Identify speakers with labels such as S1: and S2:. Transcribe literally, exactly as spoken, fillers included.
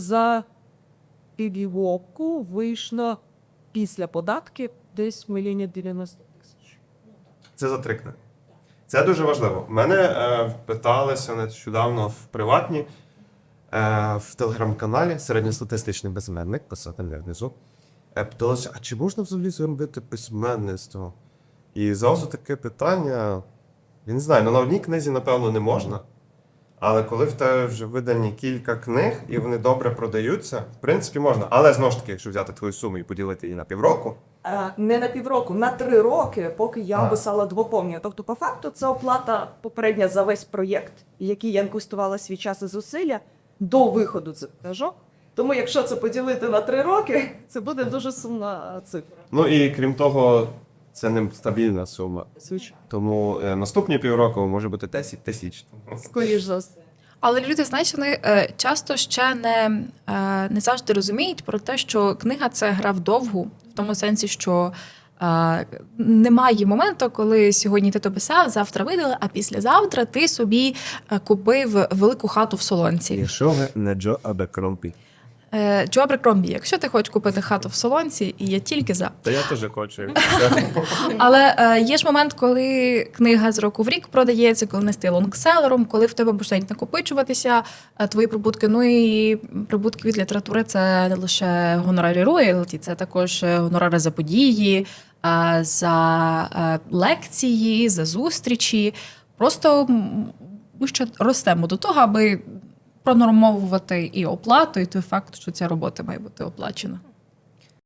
S1: За півроку вийшло після податків десь мільйонів дев'яносто тисяч.
S2: Це за три книги. Це дуже важливо. Мене е, питалися нещодавно в приватні, е, в телеграм-каналі середньостатистичний письменник, писати не внизу. Е, питалися, а чи можна взагалі зробити письменництво? І зразу таке питання, я не знаю, ну на одній книзі, напевно, не можна. Але коли в тебе вже видані кілька книг, і вони добре продаються, в принципі, можна. Але, знову ж таки, якщо взяти твою суму і поділити її на півроку,
S1: Е, Не на півроку, на три роки, поки я
S2: А.
S1: писала двоповні. Тобто, по факту, це оплата попередня за весь проєкт, в який я інвестувала свій час і зусилля до виходу цих книжок. Тому, якщо це поділити на три роки, це буде дуже сумна цифра.
S2: ну і крім того, це не стабільна сума.
S1: Звичайно.
S2: Тому е, наступні півроку може бути десять тисяч.
S1: Скоріш за все.
S3: Але люди, знаєш, вони е, часто ще не, е, не завжди розуміють про те, що книга – це гра вдовгу, в тому сенсі, що е, немає моменту, коли сьогодні ти то писав, завтра видали, а післязавтра ти собі е, купив велику хату в Солонці.
S2: Якщо ви не Джо Абекромпі.
S3: Е, Джо Аберкромбі, якщо ти хочеш купити хату в Солонці, і я тільки за.
S2: Та я теж хочу.
S3: Але е, є ж момент, коли книга з року в рік продається, коли не стає лонгселером, коли в тебе почнуть накопичуватися е, твої прибутки. Ну і прибутки від літератури – це не лише гонорари роялті, це також гонорари за події, е, за е, лекції, за зустрічі. Просто м, ми ще ростемо до того, аби пронормовувати і оплату, і той факт, що ця робота має бути оплачена.